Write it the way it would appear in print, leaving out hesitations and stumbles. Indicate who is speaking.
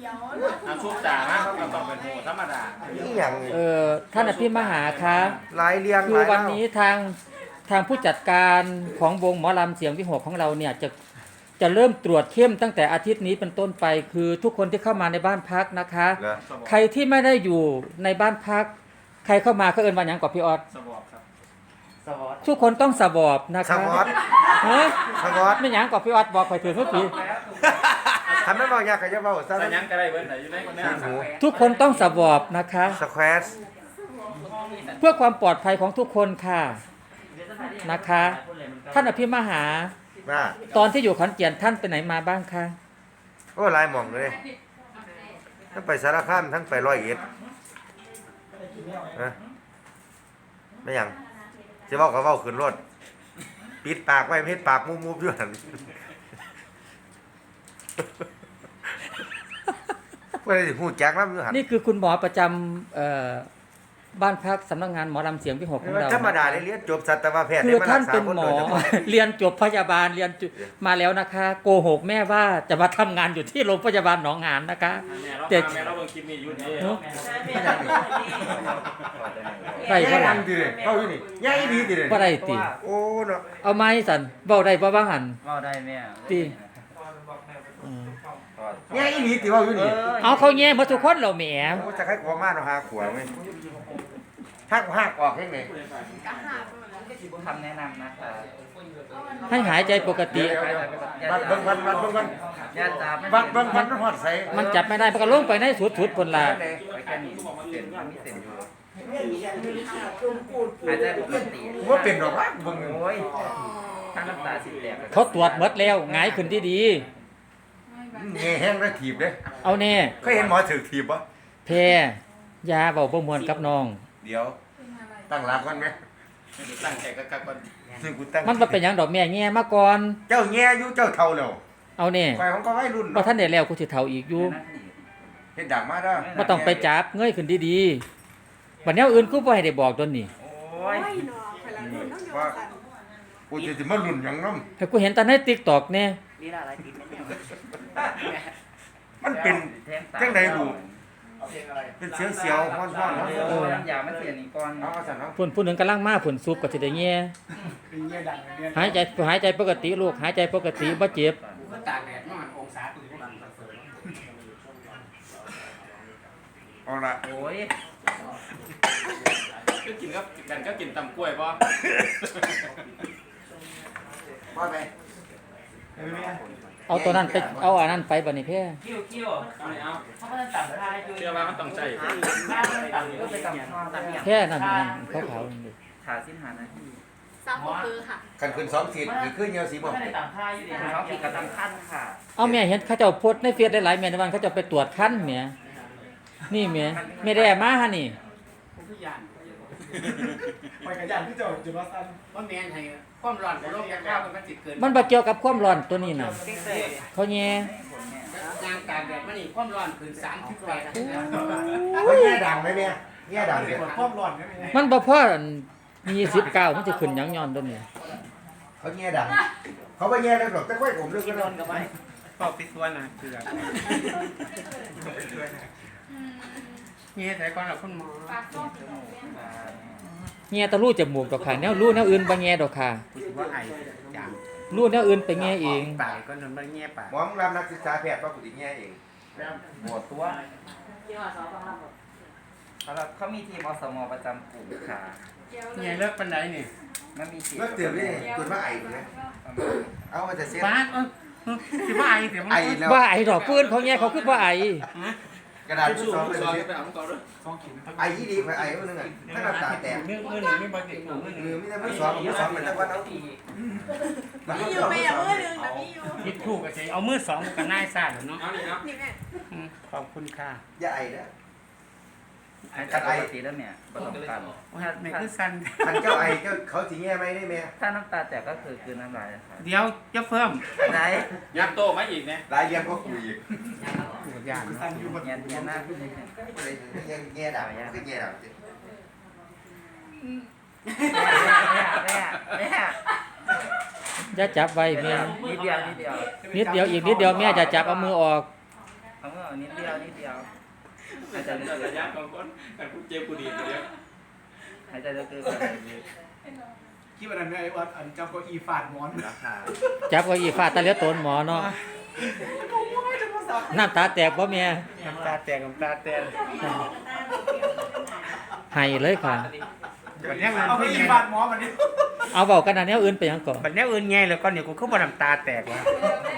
Speaker 1: ชุบจ่านะเขาต้องเป็นโหธรรมดา
Speaker 2: นี่อย่าง
Speaker 3: ท่านอภิมหาคะ
Speaker 2: หลายเรียง
Speaker 3: คือวันนี้ทางผู้จัดการของวงหมอลำเสียงวิหกของเราเนี่ยจะเริ่มตรวจเข้มตั้งแต่อาทิตย์นี้เป็นต้นไป คือทุกคนที่เข้ามาในบ้านพักนะคะ ใครที่ไม่ได้อยู่ในบ้านพัก ใครเข้ามาเขาเอิ้นว่าหยังกับพี่ออด
Speaker 1: สวอปครับ
Speaker 3: ทุกคนต้องสวอปนะ
Speaker 2: ส
Speaker 3: คะ
Speaker 2: วอต
Speaker 3: ฮะ
Speaker 2: สวอต
Speaker 3: ไม่หยังกับพี่ออดบอกไปถึงเมื่อกี้
Speaker 2: ทำไม่บอกยากก็จะบอกซะ
Speaker 1: แต่ยังก็ได้เว้นไหนอยู่ในคนนี้
Speaker 3: ทุกคนต้องสวอปนะคะ
Speaker 2: สแควร์
Speaker 3: เพื่อความปลอดภัยของทุกคนค่ะนะคะ ท่านอภิมหา
Speaker 2: ว่า
Speaker 3: ตอนที่อยู่ขอนแก่นท่านไปไหนมาบ้างคะ
Speaker 2: โอ้หลายหม่องเลยทั้งไปสารคามทั้งไปร้อยเอ็ดนะไม่หยังจะเว้าก็เว้าขึ้นรถปิดปากไว้เฮ็ดปากมุบๆอยู่หั่นบ่ได้ฮู้จักนำอยู่หั่น
Speaker 3: นี่คือคุณหมอประจำบ้านพักสำนักงานหมอลำเสียงวิหกของเรา
Speaker 2: ธรรมดาได้เรียนจบสัตวแพทย์
Speaker 3: คือท่าน
Speaker 2: ได้
Speaker 3: เป็น
Speaker 2: มรักษ
Speaker 3: หมอ
Speaker 2: คโดยฉพาะ
Speaker 3: เรียนจบพยาบาลเรียนมาแล้วนะคะ โกหกแม่ว่าจะมาทำงานอยู่ที่โรงพยาบาลหนองหานนะคะ
Speaker 1: แม่เราเบิ่งคลิปนี้อยู่นี่
Speaker 3: ได้
Speaker 2: แย่
Speaker 3: บ่
Speaker 2: ดั
Speaker 3: ล่ะ
Speaker 2: งติเด้เว้าอยู่นี่แย่อีหลีติเด้
Speaker 3: บ่ได้ติ
Speaker 2: โอ้เนาะ
Speaker 3: เอาไม้สั่นเว้าได้บ่ว่าหั่น
Speaker 4: เว้าได้แม่
Speaker 3: ติอืม
Speaker 2: แย่อีหลีติเว้าอยู่นี่
Speaker 3: เอาเขาแย่หมดทุกคนแล้วแหม
Speaker 2: โอ้จะให้ขอมาเนาะหาขวางไหมหักออกเฮ็ดไง
Speaker 4: คำแนะนำนะคะ
Speaker 3: ให้หายใจปกติ
Speaker 2: วัดเบิ่งวัน
Speaker 4: ญาติตา
Speaker 2: วัดเบิ่งวันมันฮอดใส
Speaker 3: มันจับไม่ได้มันก็ลงไปในสุดๆพุ่นล่ะ
Speaker 4: ไปแค่นี้เส้นมันมีเส้นอยู่หายใจปกติ
Speaker 2: ว่าเป็นดอกว่าเบิ่ง
Speaker 4: โอ้ยถ้าน้ำตาสิแตก
Speaker 3: เขาตรวจหมดแล้วหงายขึ้นดี
Speaker 2: แง่แห้งแล้วถีบเด้
Speaker 3: ๆเอาแน่
Speaker 2: เคยเห็นหมอถือถีบบ่
Speaker 3: แพรยาเว้าบ่ม่วนกับน้อง
Speaker 2: เดี๋ยวตั้งหลักก่อนไหม
Speaker 1: ตั้งใจกักก่อน
Speaker 2: ซึ่งกูตั้ง
Speaker 3: มันบ่เป็นหยังดอกแม่แง่มาก่อน
Speaker 2: เจ้าแง่อยู่เจ้าเฒ่าแล้ว
Speaker 3: เอาแน่
Speaker 2: ฝ่ายของก็วัยรุ่น
Speaker 3: บ่
Speaker 2: เนาะ
Speaker 3: ทันได้แล้วกูสิเฒ่าอีกอยู่
Speaker 2: เฮ็ดดังมาเด้อ
Speaker 3: บ่ต้องไปจับเงยขึ้นดีๆบัดแนวอื่นกูบ่ให้ได้บอกตนนี้
Speaker 4: โอ้ย
Speaker 2: ว่ากูจะสิมารุ่นหยังนำ
Speaker 3: ให้กูเห็นแต่ใน TikTok แน่
Speaker 4: นี่ละอะไรกินไม่เนี่ย
Speaker 2: มันเป็น
Speaker 4: แทงตา
Speaker 2: จังได๋บุเป็นเสียวๆฮ้อนๆเนาะ
Speaker 4: โอ้ยน้ำยามันเสียนี่ก่อน
Speaker 2: เอาซั่นเนาะ
Speaker 3: พุ่นผู้หนึงกำลังมาพุ่นซุปก็สิได้แง่หายใจปกติลูกหายใจปกติบ่เจ็บ
Speaker 1: ตากแดดประมาณองศาตื่นกัน
Speaker 2: เอาล่ะ
Speaker 4: โอ้ย
Speaker 1: ก็กินก็กินตำกล้วยป่ะ
Speaker 2: ว่าไป
Speaker 3: เอาตัวนั้นไปเอาอันนั้นไปบัดนี้แพ้
Speaker 4: คิ้ว
Speaker 1: เอาเลยเอา
Speaker 4: เขาก็จะตัดได้อยู่
Speaker 1: เชื่อว่ามันต้องใจ
Speaker 4: บ้านมันตัดก็ไปกับพ่อตัดอย่าง
Speaker 3: แพ้นั่นขาวๆนั่นดิ
Speaker 4: ขาสิ้นหานาที
Speaker 5: ซ้ำก็คือค่ะ
Speaker 2: คันขึ้น2ขีดนี่คือเหนียวสีบ่
Speaker 4: ไม่ได้ตัดท่าอยู่ดีเขาผิดกับตำขั้นค่ะ
Speaker 3: เอาแม่เห็นเขาเจ้าโพสต์ในเฟซหลายๆแม่ในวันเขาเจ้าไปตรวจคันแหมนี่แหมไม่ได้มาหั่นนี่
Speaker 6: ไปกับยันที่เจ้าจุลสัน
Speaker 1: ว่าแมนให้ความร้อนของโลกยากๆมันจิตเกิน
Speaker 3: มันบ่เกี่ยวกับความร้อนตัวนี้น่ะ
Speaker 4: เก่งเลย
Speaker 3: เขาแย่
Speaker 1: ยางตากแดดมันนี่ความร้อนขึ้น38
Speaker 2: ว่าแง่ดังไหมแม่แง่ดังเด้
Speaker 6: ปวดความร้อนกันไง
Speaker 3: มันบ่พอ29มันจะขึ้นหยังย้อนตัวนี้
Speaker 2: เขาแง่ดังเขาบ่แง่เลยหรอกแต่ค่อยผมเลิก
Speaker 4: กิ
Speaker 2: กัน น
Speaker 4: โด
Speaker 2: แล้ว
Speaker 4: นกับไว้
Speaker 1: เป่าปิดตัวนะคือเงี้ยแต่ก่อนเราคุณหมอ
Speaker 3: แง่ตะรูจมูกดอกค่ะแนวรูแนวอื่นบ่แง่ดอกค่ะ
Speaker 1: คิดว่าไอจาง
Speaker 3: รูแนวอื่นไปแง่เอง
Speaker 1: ปากก็นอนมันเงี้ยปาก
Speaker 2: หมอรับนักศึกษาแพทย์ว่ากูสิแง่เอง
Speaker 4: หมดตัวเขามีทีมอสมประจำกลุ่มค่ะ
Speaker 1: เงี้ยเลิกปันไดนี่
Speaker 4: มันมีทีม
Speaker 2: เลิกเตือนนี่จนว่าไอ้พุ่นนะเอามาจะเสีย
Speaker 1: ฟ้าคิดว่าไอเสียมัน
Speaker 2: ไอ้แล้ว
Speaker 3: ว่าไอ้ดอกปืนเขาแง่เขาคือว่าไอ้
Speaker 2: กระดาษที่2เป็น
Speaker 1: ซอย
Speaker 2: เสีย
Speaker 1: ไปเอาก่อนด้วย
Speaker 2: ไอ้ยี่ดีไปไอ้คนนึงอ่ะถ้าน้ำตาแตก
Speaker 1: มือหนึ่งไม่บาดเจ็บมือหนึ่ง
Speaker 2: มีแต่มือ2มือ2เป็นตะวันเอา
Speaker 5: มีอยู่ไปอย่างมือหนึ่งแต่มีอยู่
Speaker 1: คิดถูกกับใจเอามือสองกับนายซ่าเนาะเอานี่ครับ
Speaker 5: นี่แม่
Speaker 1: ขอบคุณค่ะ
Speaker 2: อย่าไอ้นะ
Speaker 4: หายใจปกติแล้วเนี่ยประสบการณ์
Speaker 1: ว่าไม่คือสั้น
Speaker 2: คันเจ้าไอ้เจ้าเขาสิแง่ไหมได้แม่
Speaker 4: ถ้าน้ำตาแตกก็คือคืนน้ำลายค่ะ
Speaker 1: เดี๋ยวจะเพิ่ม
Speaker 4: ไหน
Speaker 1: ยักโตมาอีกเนี่ย
Speaker 2: หลายเยี่ยมก็คุยอีก
Speaker 1: อย่าง
Speaker 4: เงียบหน้าขึ้นเลย
Speaker 2: ยังแง่ดังคือแง่ดัง
Speaker 4: แม่แม่
Speaker 3: อย่าจับไว้แม่
Speaker 4: นิดเดียว
Speaker 3: นิดเดียวอีกนิดเดียวแม่จะจับเอามือออก
Speaker 4: เขาก็นิดเดียวนิดเดียวหายใจลึก
Speaker 1: ระยะของคนแต่กูเจ็บกูดีเดียว
Speaker 4: ๆหายใจลึกๆหายใจลึก
Speaker 6: คิดว่านั้นไอ้วัดอันเจ้าก็อีฟาดมอน
Speaker 4: ราคา
Speaker 3: จับเก็อีฟาดตะเลียตนหมอเนาะน้ำตาแตกบ่แม่
Speaker 4: น้ำตาแตกน้ำตาแตก
Speaker 3: ให้เลยค่ะ
Speaker 4: บัดนี้เงิน
Speaker 6: เอาไป
Speaker 4: พี่
Speaker 6: อี
Speaker 4: ไง
Speaker 6: ฟาดมอนมันนี่
Speaker 3: เอาเว้ากันอันแนวอื่นไปหยังก่อน
Speaker 4: บัดนี้เงินไงแล้วก็เนี่ยกูเข้าบ่น้ำตาแตกวะ
Speaker 5: ไ